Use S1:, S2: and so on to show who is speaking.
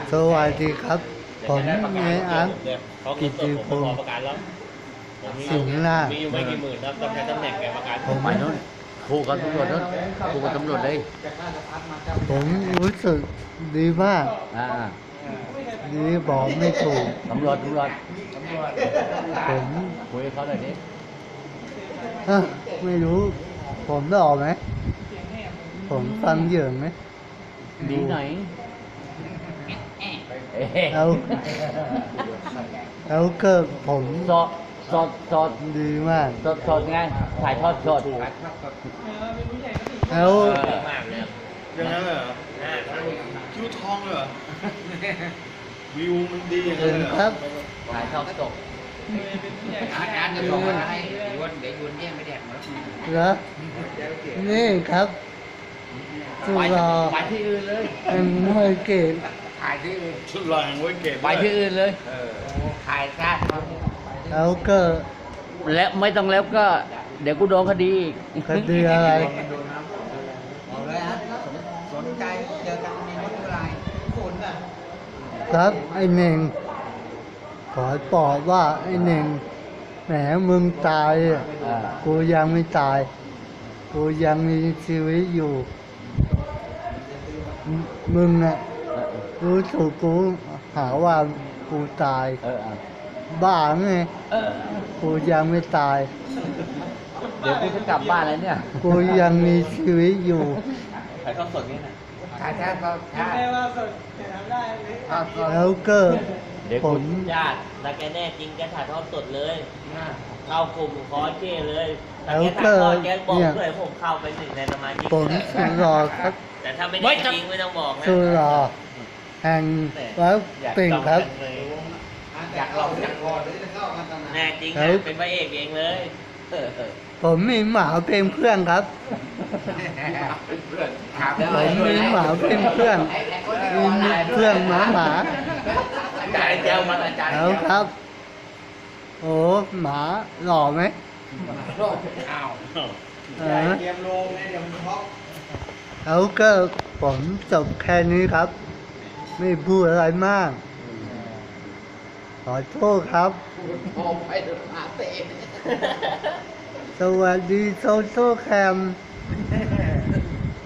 S1: สวัสดีครับผมเนอันกิติพงศ์
S2: ประกันแล้วผมมี
S1: สิงห์นาถ
S2: มีอยู่ไม่กี่หมื่นครับต้องใช้ตำแหน่งแกประกัน
S3: ผมไปนู้นคู่กับตำรวจนู้นคู่กับตำรวจเลย
S1: ผมรู้สึกดีมาก
S3: อ่า
S1: ดีบอกไม่ถูก
S3: ตำรวจ
S1: ผม
S3: คุยกับเขาหน่อยดิ
S1: ไม่รู้ ผมได้ออกไหมผมฟังเหยิงไหม
S3: ดีหน่อย
S1: แล้วก็ผม
S3: สด
S1: ดีมาก
S3: สดไงถ่ายทอดสด
S1: แล้ว
S2: มากเลย
S4: อย่างนั้นเลยเหรอคิ้วทองเลยเหรอ วิวมันดีอย่าง
S1: ถึ
S4: นั้น
S1: ง
S4: เลยเหรอ
S1: ครับ
S3: ถ่ายทอดสด
S5: อาจารย์จะส่งมาให้ยวนเดี๋ยวยวนแย่งไม่แดกหมด
S1: แล้วนี่ครับสุรอ
S3: ไปที่อื่นเลย
S1: แห่งมวยเกต
S5: ถ่ายที่อื่น
S4: ชุดลายไว้เก็บ
S3: ไปที่อื่นเลย
S5: ถ่ายซะ
S1: แล้วก็
S3: แล้วไม่ต้องแล้วก็ เดี๋ยวกูโดนคดีอีก
S1: คดีอะไร
S5: บอกเลยฮะสนใจเจอกันในวัดอะไรคุณน่ะ
S1: ครับไอ้เน่งขอบอกว่าไอ้เน่งแหมมึงตายอะ
S3: อ่า
S1: กูยังไม่ตาย กูยังมีชีวิตอยู่มึงอะรู้ถูกกูหาว่ากูตาย บ้าไง กูยังไม่ตาย
S3: เดี๋ยวกูจะกลับบ้านแล้วเนี่ย
S1: กูยังมีชีวิตอยู่
S2: ถ่ายทอดสดนี่นะ
S5: ถ่ายแท้ก็ถ่ายทอดสด
S1: แล้วก็
S3: เดี๋ยว
S1: ผ
S3: กู
S1: ม
S2: ญาติถ้าแกแน่จริงแกถ่ายทอดสดเลยเข้ากลุ่มคอร์สเก้เลยถ้าแกถ่ายทอดแกบอกด้วยผมเข้าไปหนึ่งในสมาชิก
S1: ผมสุรอครับ
S2: แต่ถ้าไม่ได้จริงไม่ต้องบอกนะ
S1: สุรอแห่งวัดติ่งครับ
S5: อยากลองอยากลอง
S2: แน่จริง
S1: แล้
S2: นะ
S1: ว
S2: เป็นพระเอกเองเลย
S1: ผมมีหมาเป็นเพื่อนครับ
S5: ครับ
S1: ผมมีหมาเป็นเพื่อนมีเพื่อนหมา
S5: อาจารย์เจ้ามันอาจารย์
S1: แล้วครับ โอ้หมาหล่อไหม
S5: อ้าว
S1: เออ
S4: เตรียมลงไงเดี๋ยวมันท็อป
S1: แล้วก็ผมจบแค่นี้ครับ ไม่พูดอะไรมาก ขอโทษครับ
S5: พอไปหาเตะ
S1: สวัสดีโซโซแคม